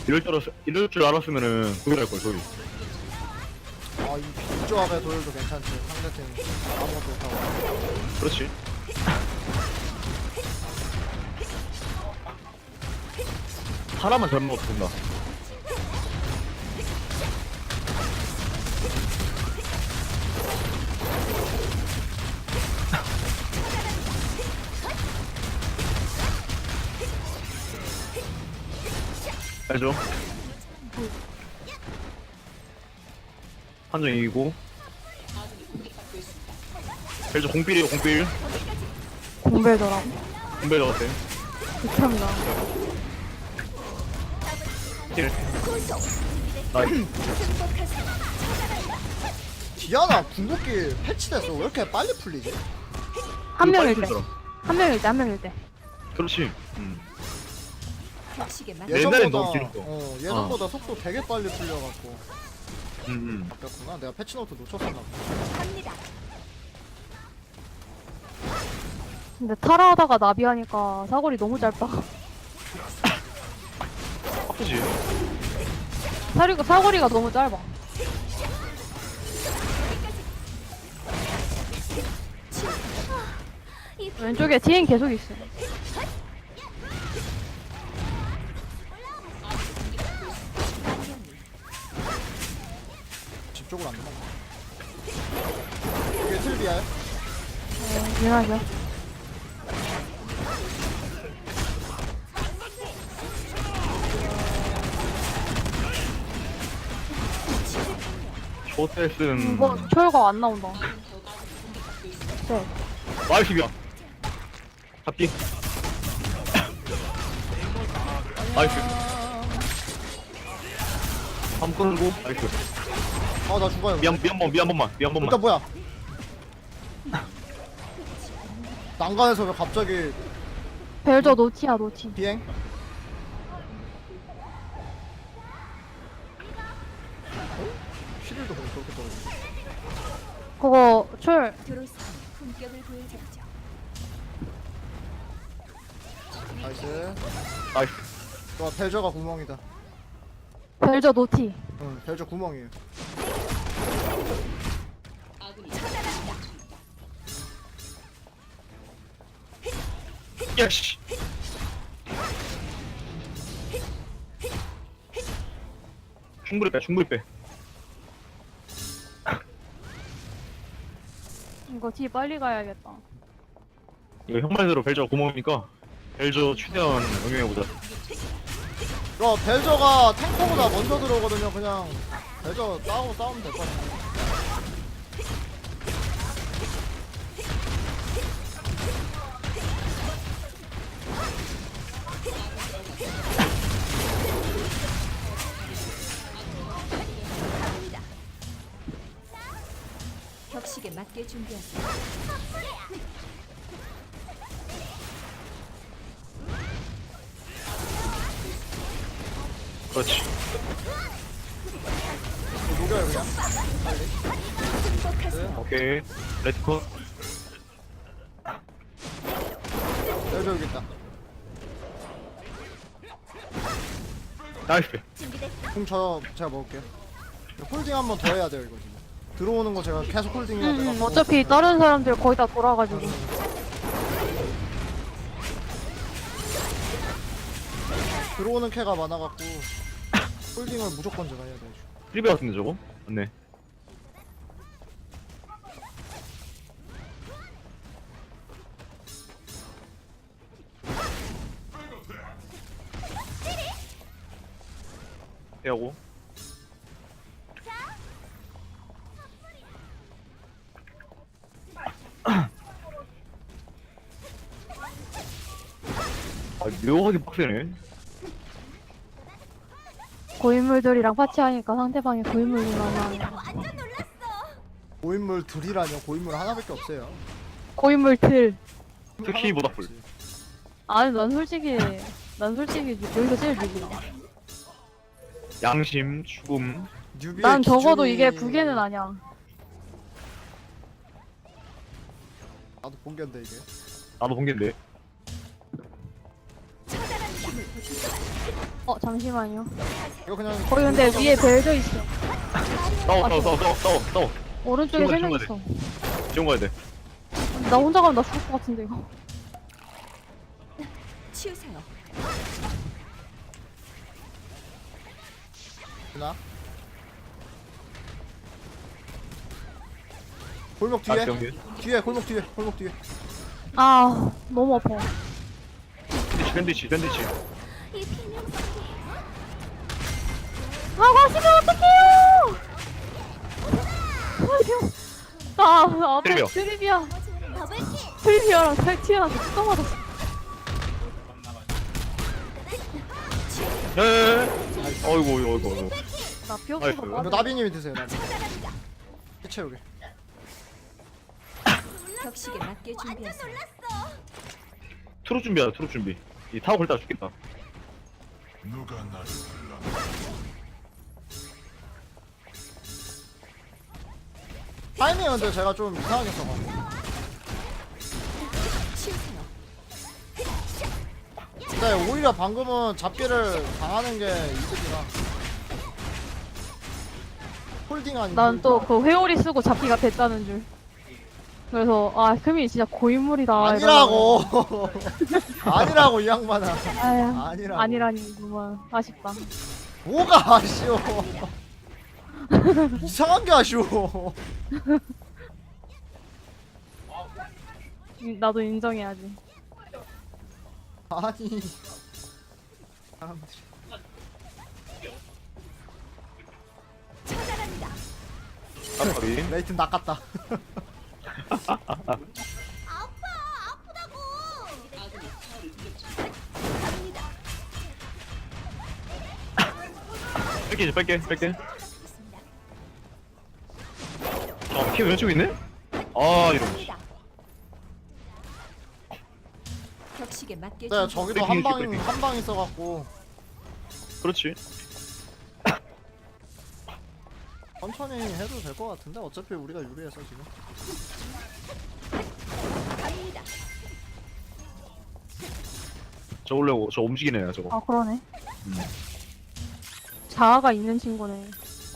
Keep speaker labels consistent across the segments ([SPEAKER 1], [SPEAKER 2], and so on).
[SPEAKER 1] 이럴 줄 알았으면은 도일할걸 도일.
[SPEAKER 2] 아, 이 조합의 도일도 괜찮지. 상대팀 아무것도 못하고.
[SPEAKER 1] 그렇지. 하나만 잘못 먹어도 된다. 알죠? 한정 이기고. 벨저 공필이에요 공필.
[SPEAKER 3] 공배더라고.
[SPEAKER 1] 공필 적었대.
[SPEAKER 3] 극혐이다.
[SPEAKER 1] 힐. 나이스.
[SPEAKER 2] 디아나 궁극기 패치됐어. 왜 이렇게 빨리 풀리지?
[SPEAKER 3] 한 명일 때.
[SPEAKER 1] 풀더라.
[SPEAKER 3] 한 명일 때, 한 명일 때.
[SPEAKER 1] 그렇지.
[SPEAKER 4] 격식에 맞
[SPEAKER 1] 옛날엔 너무 길었어.
[SPEAKER 2] 예전보다 속도 되게 빨리 풀려갖고
[SPEAKER 1] 음.
[SPEAKER 2] 바뀌었구나. 내가 패치노트 놓쳤었나 보다.
[SPEAKER 4] 갑니다.
[SPEAKER 3] 근데 타라하다가 나비하니까 사거리 너무 짧다.
[SPEAKER 1] 아프지.
[SPEAKER 3] 사거리가 너무 짧아. 왼쪽에 TN 계속 있어.
[SPEAKER 2] 집 쪽으로 안 도망가. 이게 틀비야?
[SPEAKER 3] 미안하죠.
[SPEAKER 1] 쇼테스는
[SPEAKER 3] 뭐 철거 안 나온다. 네.
[SPEAKER 1] 나이스야. 잡기. 나이스. 한 끌고 나이스.
[SPEAKER 2] 아, 나 죽어요.
[SPEAKER 1] 미안 번만.
[SPEAKER 2] 일단 뭐야? 난간에서 왜 갑자기
[SPEAKER 3] 벨저 노티야 노티.
[SPEAKER 2] 비행? 힐도 그렇게 떨어져.
[SPEAKER 3] 그거 철
[SPEAKER 4] 드로스 품격을 보여드리죠.
[SPEAKER 2] 나이스.
[SPEAKER 1] 나이스.
[SPEAKER 2] 와, 벨저가 구멍이다.
[SPEAKER 3] 벨저 노티.
[SPEAKER 2] 응, 벨저 구멍이에요.
[SPEAKER 1] 야씨. 충분히 빼.
[SPEAKER 3] 이거 뒤 빨리 가야겠다.
[SPEAKER 1] 이거 형 말대로 벨저 구멍이니까 벨저 최대한 응용해보자.
[SPEAKER 2] 야, 벨저가 탱커보다 먼저 들어오거든요. 그냥 벨저 싸우면 될 것 같아.
[SPEAKER 4] 격식에 맞게 준비하세요.
[SPEAKER 1] 그렇지.
[SPEAKER 2] 이거 녹여요, 그냥.
[SPEAKER 1] 오케이. 레트컷.
[SPEAKER 2] 벨저 여기 있다.
[SPEAKER 1] 나이스.
[SPEAKER 2] 그럼 제가 먹을게요. 홀딩 한 번 더 해야 돼요, 이거 지금. 들어오는 거 제가 계속 홀딩 해야 돼요.
[SPEAKER 3] 어차피 다른 사람들 거의 다 돌아가지고.
[SPEAKER 2] 들어오는 캐가 많아갖고 홀딩을 무조건 제가 해야 돼요.
[SPEAKER 1] 트리베 같은데 저거? 맞네. 해하고. 아, 묘하게 빡세네.
[SPEAKER 3] 고인물들이랑 파티하니까 상대방이 고인물이 많아.
[SPEAKER 2] 고인물 둘이라뇨. 고인물 하나밖에 없어요.
[SPEAKER 3] 고인물들.
[SPEAKER 1] 특히 모닥불.
[SPEAKER 3] 아니 난 솔직히 여기서 제일 느리다.
[SPEAKER 1] 양심, 죽음.
[SPEAKER 2] 뉴비의
[SPEAKER 3] 난 적어도
[SPEAKER 2] 기준이-
[SPEAKER 3] 이게 부계는 아니야.
[SPEAKER 2] 나도 본견데 이게.
[SPEAKER 1] 나도 본겐데.
[SPEAKER 3] 잠시만요.
[SPEAKER 2] 이거 그냥
[SPEAKER 3] 거기 근데 위에 벨저 있어.
[SPEAKER 1] 싸워.
[SPEAKER 3] 오른쪽에
[SPEAKER 1] 지금
[SPEAKER 3] 3명
[SPEAKER 1] 가야 돼.
[SPEAKER 3] 있어.
[SPEAKER 1] 지금 가야 돼.
[SPEAKER 3] 나 혼자 가면 나 죽을 것 같은데 이거.
[SPEAKER 4] 치우세요.
[SPEAKER 2] 누나. 골목 뒤에.
[SPEAKER 1] 아, 경기.
[SPEAKER 2] 뒤에 골목 뒤에.
[SPEAKER 3] 아 너무 아파.
[SPEAKER 1] 샌드위치.
[SPEAKER 3] 아 가시면 어떡해요! 나 앞에
[SPEAKER 1] 트리비아.
[SPEAKER 3] 트리비아랑 탈티아한테 뚜껑 맞았어.
[SPEAKER 1] 예. 어이구.
[SPEAKER 3] 나
[SPEAKER 1] 아이고.
[SPEAKER 3] 피어스가
[SPEAKER 2] 이거
[SPEAKER 3] 맞아.
[SPEAKER 2] 나비님이 드세요. 나비. 채우게.
[SPEAKER 4] 격식에 맞게 준비하세요.
[SPEAKER 1] 트롯 준비. 이 타고 걸다 죽겠다.
[SPEAKER 5] 누가 나를 불러?
[SPEAKER 2] 타이밍 근데 제가 좀 이상하게 써가지고.
[SPEAKER 4] 치우세요.
[SPEAKER 2] 근데 오히려 방금은 잡기를 당하는 게 이득이라. 홀딩 아니고.
[SPEAKER 3] 난 또 그 회오리 쓰고 잡기가 됐다는 줄. 그래서 아 금이 진짜 고인물이다.
[SPEAKER 2] 아니라고. 아니라고 이 양반아.
[SPEAKER 3] 아야,
[SPEAKER 2] 아니라고.
[SPEAKER 3] 아니라니구만. 아쉽다.
[SPEAKER 2] 뭐가 아쉬워. 이상한 게 아쉬워.
[SPEAKER 3] 나도 인정해야지.
[SPEAKER 2] 아니. 사람들이.
[SPEAKER 1] 아까비.
[SPEAKER 2] 레이튼 낚았다.
[SPEAKER 1] 뺄게. 키 왼쪽에 있네? 아, 이런.
[SPEAKER 4] 격식에 맞게
[SPEAKER 2] 네, 저기도
[SPEAKER 1] 브리핑.
[SPEAKER 2] 한 방 있어갖고
[SPEAKER 1] 그렇지.
[SPEAKER 2] 천천히 해도 될 것 같은데 어차피 우리가 유리해서 지금.
[SPEAKER 1] 저 올려고, 저 움직이네, 저거.
[SPEAKER 3] 아 그러네. 자아가 있는 친구네.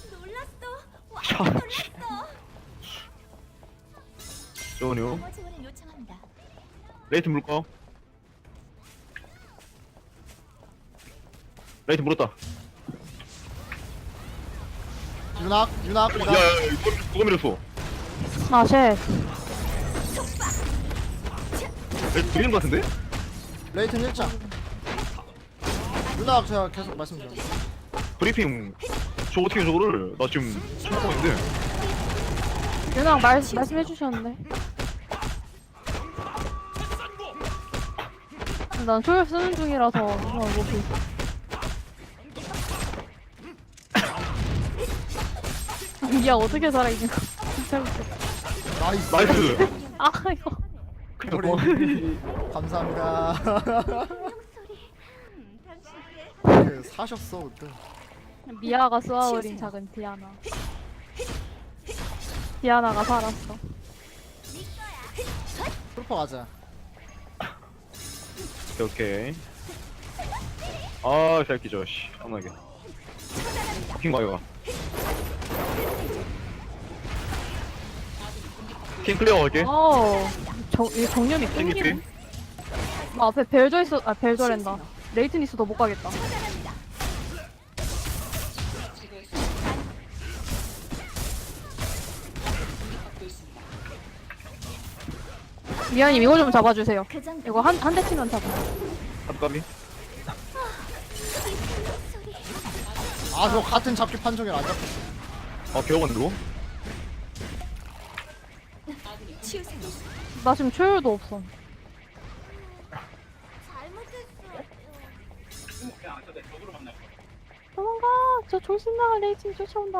[SPEAKER 1] 저거요. 레이트 물까? 레이트 물었다.
[SPEAKER 2] 유낙.
[SPEAKER 1] 야, 이거 누가 밀었어?
[SPEAKER 3] 아 쉣.
[SPEAKER 1] 레이트 밀린 것 같은데?
[SPEAKER 2] 레이튼 1장. 유낙 제가 계속 말씀드렸죠.
[SPEAKER 1] 브리핑. 저 어떻게 저거를? 나 지금 처음 보는데.
[SPEAKER 3] 윤왕 말씀해 주셨는데. 난 초열 쓰는 중이라서 못해. 야 어떻게 살아 있는 거? 진짜 웃겨.
[SPEAKER 2] 나이스.
[SPEAKER 1] 나이스.
[SPEAKER 3] 아 이거.
[SPEAKER 2] 우리 감사합니다. 그 사셨어 그때.
[SPEAKER 3] 미아가 쏘아올린 작은 디아나. 디아나가 살았어.
[SPEAKER 2] 풀퍼 가자.
[SPEAKER 1] 오케이. 아, 새끼 저 씨. 편하게. 킹 가요. 킹 클리어 할게.
[SPEAKER 3] 이 정념이
[SPEAKER 1] 킹
[SPEAKER 3] 끊기네.
[SPEAKER 1] 깊이.
[SPEAKER 3] 앞에 벨저 있어. 아 벨저랜다. 레이튼 있어도 못 가겠다. 미아님 이거 좀 잡아주세요. 이거 한 대 치면 잡아.
[SPEAKER 1] 깜깜이.
[SPEAKER 2] 아 저 같은 잡기 판정이 안 잡혔어.
[SPEAKER 1] 기억은 누구?
[SPEAKER 4] 치우세요.
[SPEAKER 3] 나 지금 초열도 없어. 도망가! 저 졸신 나간 레이튼 쫓아온다.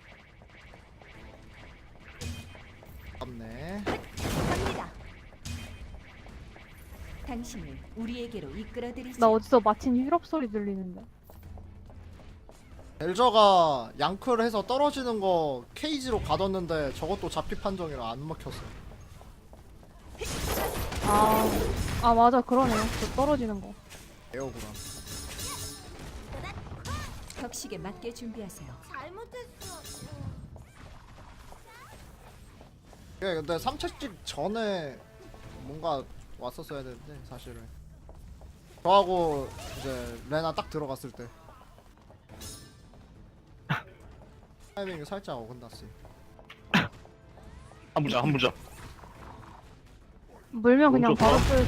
[SPEAKER 2] 없네.
[SPEAKER 4] 갑니다. 당신을 우리에게로 이끌어드리죠.
[SPEAKER 3] 나 어디서 마친 힐업 소리 들리는데.
[SPEAKER 2] 벨저가 양크를 해서 떨어지는 거 케이지로 가뒀는데 저것도 잡기 판정이라 안 먹혔어.
[SPEAKER 3] 아 맞아 그러네요. 저 떨어지는 거.
[SPEAKER 2] 에어구나.
[SPEAKER 4] 격식에 맞게 준비하세요.
[SPEAKER 2] 예, 근데 3채찍 전에 뭔가 왔었어야 되는데 사실은. 저하고 이제 레나 딱 들어갔을 때 타이밍이 살짝 어긋났어요.
[SPEAKER 1] 한 부자 한 부자.
[SPEAKER 3] 물면 그냥
[SPEAKER 1] 좋다.
[SPEAKER 3] 바로 쓰여져.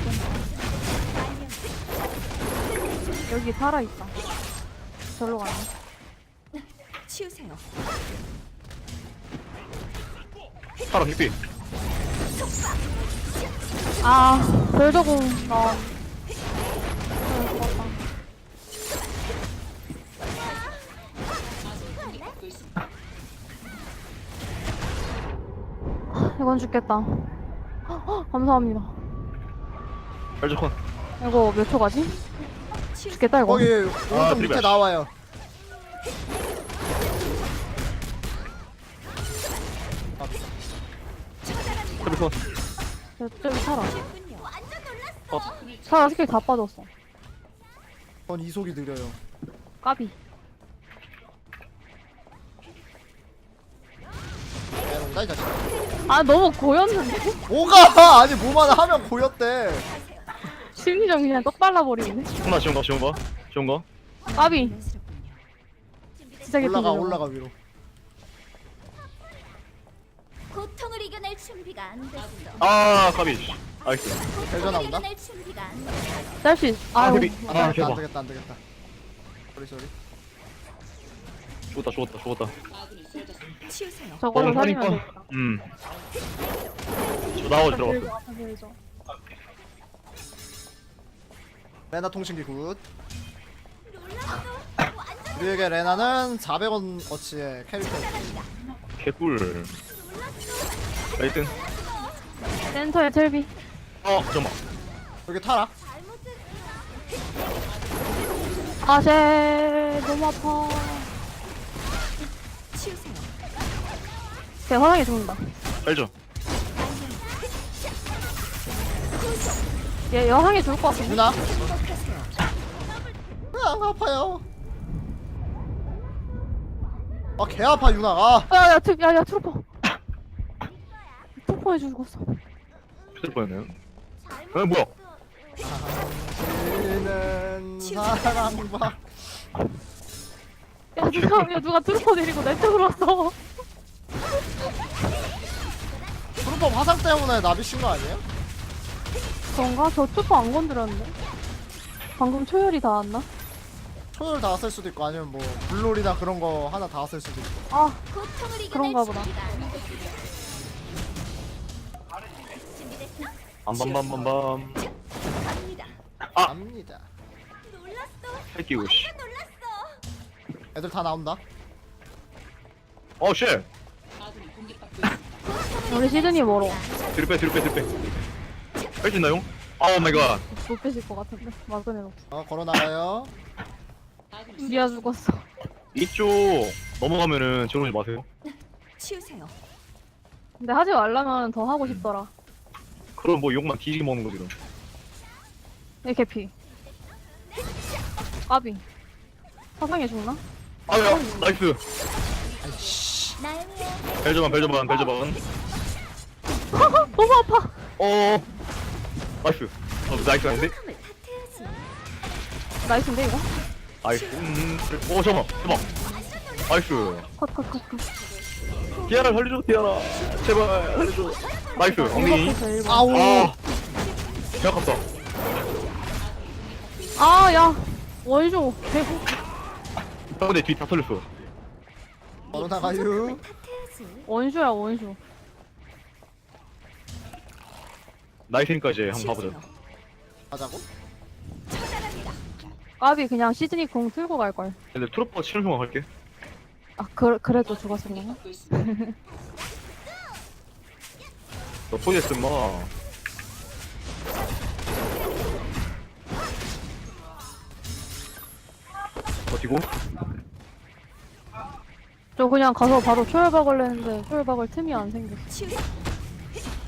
[SPEAKER 3] 여기 살아있다. 절로 가네.
[SPEAKER 4] 치우세요.
[SPEAKER 1] 파라 빅비.
[SPEAKER 3] 아, 별저공 나. 죽었다. 이건 죽겠다. 감사합니다.
[SPEAKER 1] 벨저 콘.
[SPEAKER 3] 이거 몇 초 가지? 죽겠다 이거.
[SPEAKER 2] 거기 오른쪽 밑에
[SPEAKER 1] 드리블.
[SPEAKER 2] 나와요.
[SPEAKER 1] 트리콘.
[SPEAKER 3] 저기 살아.
[SPEAKER 1] 어.
[SPEAKER 3] 살아 스킬 다 빠졌어.
[SPEAKER 2] 전 이속이 느려요.
[SPEAKER 3] 까비.
[SPEAKER 2] 에롱다 이 자식.
[SPEAKER 3] 아 너무 고였는데?
[SPEAKER 2] 뭐가 아니 뭐만 하면 고였대.
[SPEAKER 3] 심리전 그냥 떡 발라버리네.
[SPEAKER 1] 하나 지운 거 지운 거 지운 거.
[SPEAKER 3] 까비.
[SPEAKER 4] 자연스럽군요.
[SPEAKER 3] 진짜 개피.
[SPEAKER 2] 올라가 위로.
[SPEAKER 6] 고통을 이겨낼 준비가 안 됐어.
[SPEAKER 1] 아 까비. 나이스.
[SPEAKER 2] 대전 나온다.
[SPEAKER 6] 이겨낼 준비가 안 됐어.
[SPEAKER 3] 짤수
[SPEAKER 1] 아
[SPEAKER 3] 아유.
[SPEAKER 1] 헤비. 아
[SPEAKER 2] 안
[SPEAKER 1] 대박.
[SPEAKER 2] 되겠다 안 되겠다. 쏘리.
[SPEAKER 1] 죽었다.
[SPEAKER 4] 치우세요.
[SPEAKER 3] 저걸로 살리면
[SPEAKER 1] 뻔.
[SPEAKER 3] 되겠다.
[SPEAKER 1] 저 나와 들어갔어.
[SPEAKER 3] 들어갔어, 들어갔어.
[SPEAKER 2] 레나 통신기 굿. 우리에게 레나는 400원 어치의 캐릭터.
[SPEAKER 1] 개꿀. 나이튼.
[SPEAKER 3] 센터에 텔비.
[SPEAKER 1] 잠깐만.
[SPEAKER 2] 여기 타라.
[SPEAKER 3] 아쟤 너무 아파.
[SPEAKER 4] 치우세요.
[SPEAKER 3] 걔 화상에 죽는다.
[SPEAKER 1] 벨저.
[SPEAKER 3] 얘 여상에 죽을 것 같은데.
[SPEAKER 2] 유나.
[SPEAKER 4] 회복하세요.
[SPEAKER 2] 안 아파요. 아 개 아파 유나가.
[SPEAKER 3] 야야 트루퍼. 트루퍼에 죽었어.
[SPEAKER 1] 휴대 뻔했네요. 뭐야?
[SPEAKER 2] 당신은 사랑받.
[SPEAKER 3] 야 누가 트루퍼 데리고 내 쪽으로 왔어.
[SPEAKER 2] 트루퍼 화상 때문에 나비 쉰거 아니에요?
[SPEAKER 3] 그런가? 저 트루퍼 안 건드렸는데. 방금 초열이 닿았나?
[SPEAKER 2] 초열 다 왔을 수도 있고 아니면 뭐 블롤이나 그런 거 하나 다 왔을 수도 있고.
[SPEAKER 3] 아
[SPEAKER 6] 고통을 이겨낼
[SPEAKER 3] 그런가 보다.
[SPEAKER 6] 준비가 안 됐어. 준비됐어?
[SPEAKER 1] 밤밤밤밤밤.
[SPEAKER 4] 갑니다.
[SPEAKER 2] 갑니다.
[SPEAKER 6] 놀랐어.
[SPEAKER 1] 새끼고 씨.
[SPEAKER 6] 놀랐어.
[SPEAKER 2] 애들 다 나온다.
[SPEAKER 1] 쉣.
[SPEAKER 3] 우리 시드니 멀어.
[SPEAKER 1] 뒤로 빼. 뺄수 있나요? 오 마이 갓.
[SPEAKER 3] 못 빼실 것 같은데. 막은 애없어.
[SPEAKER 2] 걸어 나가요.
[SPEAKER 3] 미아 죽었어.
[SPEAKER 1] 이쪽 넘어가면은 저러지 마세요.
[SPEAKER 4] 치우세요.
[SPEAKER 3] 근데 하지 말라면 더 하고 싶더라.
[SPEAKER 1] 그럼 뭐 욕만 뒤지게 먹는 거지 그럼.
[SPEAKER 3] 얘 개피. 까비. 화상에 죽나?
[SPEAKER 1] 아야 나이스.
[SPEAKER 6] 나영이야.
[SPEAKER 1] 벨저만.
[SPEAKER 3] 너무 아파.
[SPEAKER 1] 나이스. 나이스 아닌데?
[SPEAKER 6] 을 탓해야지.
[SPEAKER 3] 나이스인데 이거?
[SPEAKER 1] 나이스. 잠깐만. 나이스.
[SPEAKER 3] 컷.
[SPEAKER 1] 디아나 살려줘 디아나. 제발 살려줘. 나이스. 엉덩이.
[SPEAKER 2] 아우.
[SPEAKER 1] 개 아깝다.
[SPEAKER 3] 아, 야. 원쇼. 대박.
[SPEAKER 1] 근데 뒤 다 털렸어.
[SPEAKER 2] 걸어 나가요.
[SPEAKER 6] 탓해야지.
[SPEAKER 3] 원쇼야, 원쇼.
[SPEAKER 1] 나이스니까 이제 한번 가보자.
[SPEAKER 4] 치우세요.
[SPEAKER 2] 가자고.
[SPEAKER 3] 까비 그냥 시즈니 공 틀고 갈걸.
[SPEAKER 1] 근데 트로퍼 치는 순간 갈게.
[SPEAKER 3] 아, 그래도 죽었으려나?
[SPEAKER 1] 너 포기했어 마. 버티고.
[SPEAKER 3] 저 그냥 가서 바로 초열박을 했는데 초열박을 틈이 안 생겼어.
[SPEAKER 4] 치우세요.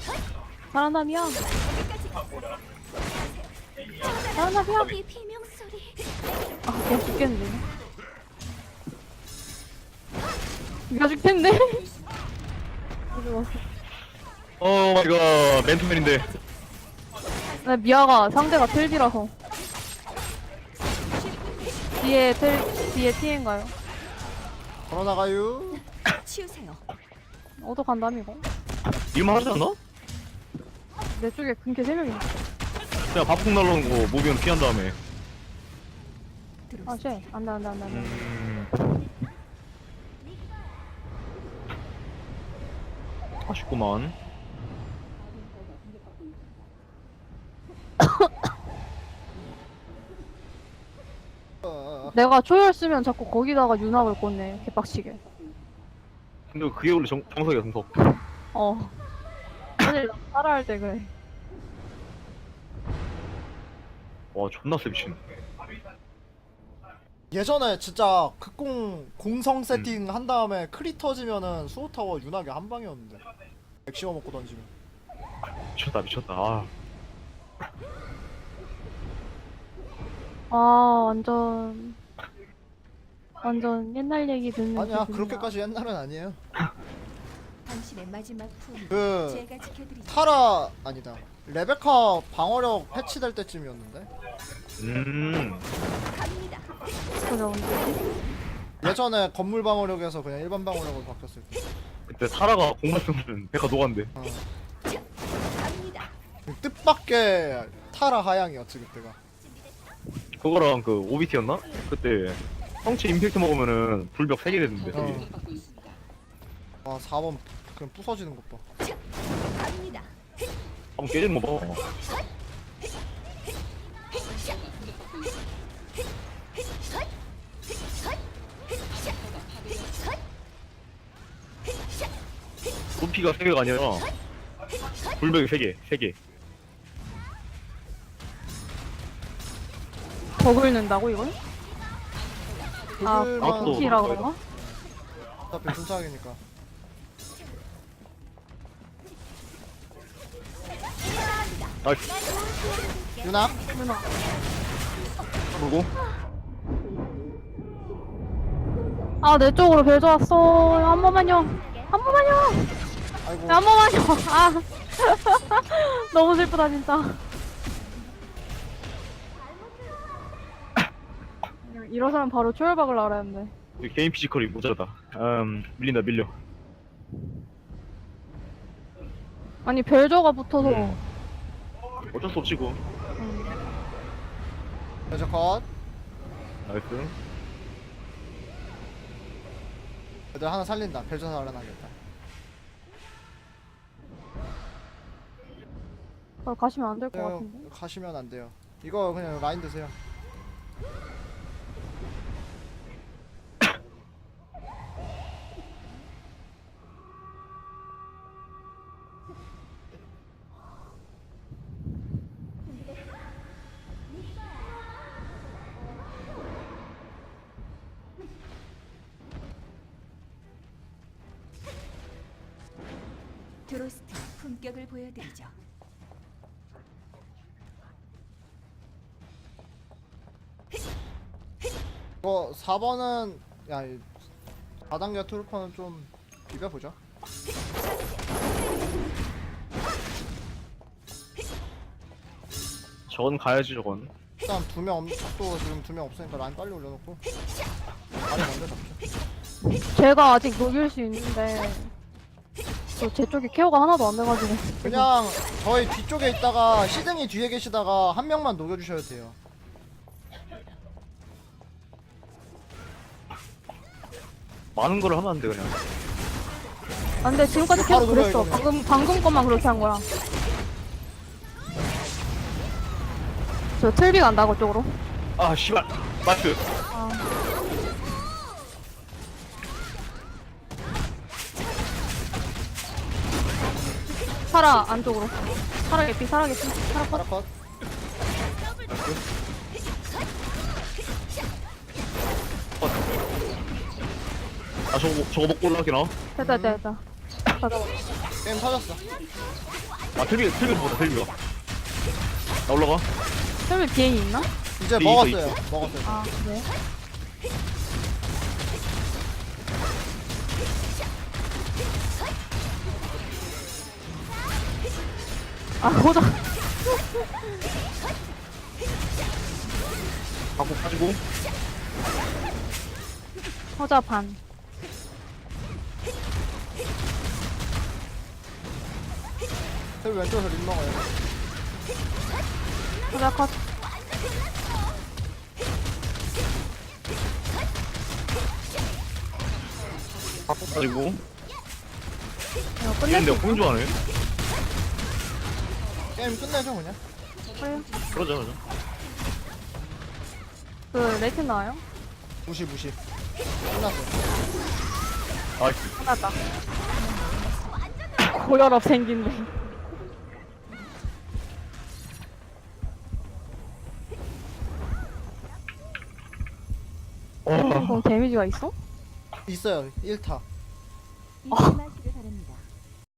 [SPEAKER 3] 잘한다미야. 잘한다미야.
[SPEAKER 6] 이 비명 소리.
[SPEAKER 3] 아, 그냥 죽겠는데. 이거 죽겠네.
[SPEAKER 1] 오 마이 갓 맨투맨인데.
[SPEAKER 3] 나 미아가 상대가 텔지라서. 뒤에 TN가요?
[SPEAKER 2] 걸어나가요.
[SPEAKER 4] 치우세요.
[SPEAKER 3] 어디 간다며, 이거?
[SPEAKER 1] 일만 하지 않나?
[SPEAKER 3] 내 쪽에 근캐 3명이.
[SPEAKER 1] 그냥 밥국 날라오는 거 모비면 피한 다음에.
[SPEAKER 3] 아, 쉣. 안 돼.
[SPEAKER 1] 아쉽구만.
[SPEAKER 3] 내가 초열 쓰면 자꾸 거기다가 윤학을 꽂네. 개빡치게.
[SPEAKER 1] 근데 그게 원래 정석이야 정석.
[SPEAKER 3] 어. 사실 따라할 때 그래.
[SPEAKER 1] 와 존나 세 미친.
[SPEAKER 2] 예전에 진짜 극공 공성 세팅 한 다음에 크리 터지면은 수호타워 윤하게 한 방이었는데. 맥시멈 먹고 던지면.
[SPEAKER 1] 미쳤다. 아.
[SPEAKER 3] 아, 완전 옛날 얘기 듣는
[SPEAKER 2] 아니야
[SPEAKER 3] 기분이야.
[SPEAKER 2] 그렇게까지 옛날은 아니에요.
[SPEAKER 4] 당신의 마지막 품.
[SPEAKER 2] 그
[SPEAKER 4] 제가 지켜드리죠.
[SPEAKER 2] 타라 아니다. 레베카 방어력 패치될 때쯤이었는데.
[SPEAKER 4] 갑니다.
[SPEAKER 3] 그죠, 근데.
[SPEAKER 2] 예전에 건물 방어력에서 그냥 일반 방어력으로 바뀌었을 때.
[SPEAKER 1] 그때 타라가 공만 쓰면 백화 녹았는데.
[SPEAKER 2] 어.
[SPEAKER 4] 갑니다.
[SPEAKER 2] 뜻밖의 타라 하향이었지 그때가.
[SPEAKER 1] 그거랑 그 OBT였나? 그때 성체 임팩트 먹으면은 불벽 3개 됐는데.
[SPEAKER 2] 어. 와 4번 그냥 부서지는 것 봐.
[SPEAKER 4] 갑니다.
[SPEAKER 1] 한번 깨지는 거 봐. 루피가 3개가 아니라 불벽이 3개.
[SPEAKER 3] 더 긁는다고, 이걸? 아,
[SPEAKER 2] 그들만
[SPEAKER 1] 또-
[SPEAKER 3] 키라 그런가?
[SPEAKER 2] 어차피 순삭이니까.
[SPEAKER 1] 나이스.
[SPEAKER 2] 윤학
[SPEAKER 3] 누나.
[SPEAKER 1] 그리고
[SPEAKER 3] 아, 내 쪽으로 벨 좋았어. 한 번만요. 한 번만요.
[SPEAKER 2] 아이고
[SPEAKER 3] 한 번만요. 아. 너무 슬프다, 진짜. 이러서는 바로 초열박을 알아야 했는데.
[SPEAKER 1] 우리 개인 피지컬이 모자라다. 밀려.
[SPEAKER 3] 아니, 벨저가 붙어서.
[SPEAKER 1] 어쩔 수 없지 고.
[SPEAKER 2] 여자 컷.
[SPEAKER 1] 나이스.
[SPEAKER 2] 애들 하나 살린다. 벨저 살아나겠다.
[SPEAKER 3] 가시면 안 될 것 같은데.
[SPEAKER 2] 가시면 안 돼요. 이거 그냥 라인 드세요.
[SPEAKER 4] 드로스트 품격을 보여드리죠.
[SPEAKER 2] 이거 4번은 야 4단계 트루퍼는 좀 비벼보자.
[SPEAKER 1] 저건 가야지 저건.
[SPEAKER 2] 일단 또 지금 2명 없으니까 라인 빨리 올려놓고 라인 먼저 잡자.
[SPEAKER 3] 제가 아직 녹일 수 있는데. 제 쪽에 케어가 하나도 안 돼가지고.
[SPEAKER 2] 그냥 저희 뒤쪽에 있다가 시등이 뒤에 계시다가 한 명만 녹여주셔야 돼요.
[SPEAKER 1] 많은 거를 하면 안 돼 그냥.
[SPEAKER 3] 아, 근데 지금까지
[SPEAKER 2] 바로
[SPEAKER 3] 계속 그랬어.
[SPEAKER 2] 녹여야
[SPEAKER 3] 방금 것만 그렇게 한 거야. 저 틀비 간다, 그쪽으로.
[SPEAKER 1] 아 씨발. 나이스.
[SPEAKER 3] 아. 살아, 안쪽으로. 살아 개피. 살아 컷.
[SPEAKER 2] 파라컷.
[SPEAKER 1] 아 저거 먹고 올라가기나?
[SPEAKER 3] 됐다. 가자.
[SPEAKER 2] 게임 터졌어.
[SPEAKER 1] 아 틀비가 보다 틀비가. 나 올라가.
[SPEAKER 3] 틀비 비행이 있나?
[SPEAKER 2] 이제
[SPEAKER 1] 네,
[SPEAKER 2] 먹었어요. 먹었어요.
[SPEAKER 3] 아, 네. 아, 호자.
[SPEAKER 1] 갖고 빠지고.
[SPEAKER 3] 호자 반.
[SPEAKER 2] 그 왼쪽에서 림 먹어요.
[SPEAKER 3] 호자 컷.
[SPEAKER 1] 갖고 빠지고.
[SPEAKER 3] 이거 끝낼
[SPEAKER 1] 근데
[SPEAKER 3] 수
[SPEAKER 1] 공주 하네.
[SPEAKER 2] 게임 끝내죠 그냥.
[SPEAKER 3] 있어요?
[SPEAKER 1] 그러자 그러자.
[SPEAKER 3] 그, 레이튼 나와요?
[SPEAKER 2] 무시 무시. 끝났어요.
[SPEAKER 1] 아이씨.
[SPEAKER 3] 끝났다. 고혈압 생긴데.
[SPEAKER 1] 어.
[SPEAKER 3] 그럼 데미지가 있어?
[SPEAKER 2] 있어요. 1타.
[SPEAKER 6] 이제 막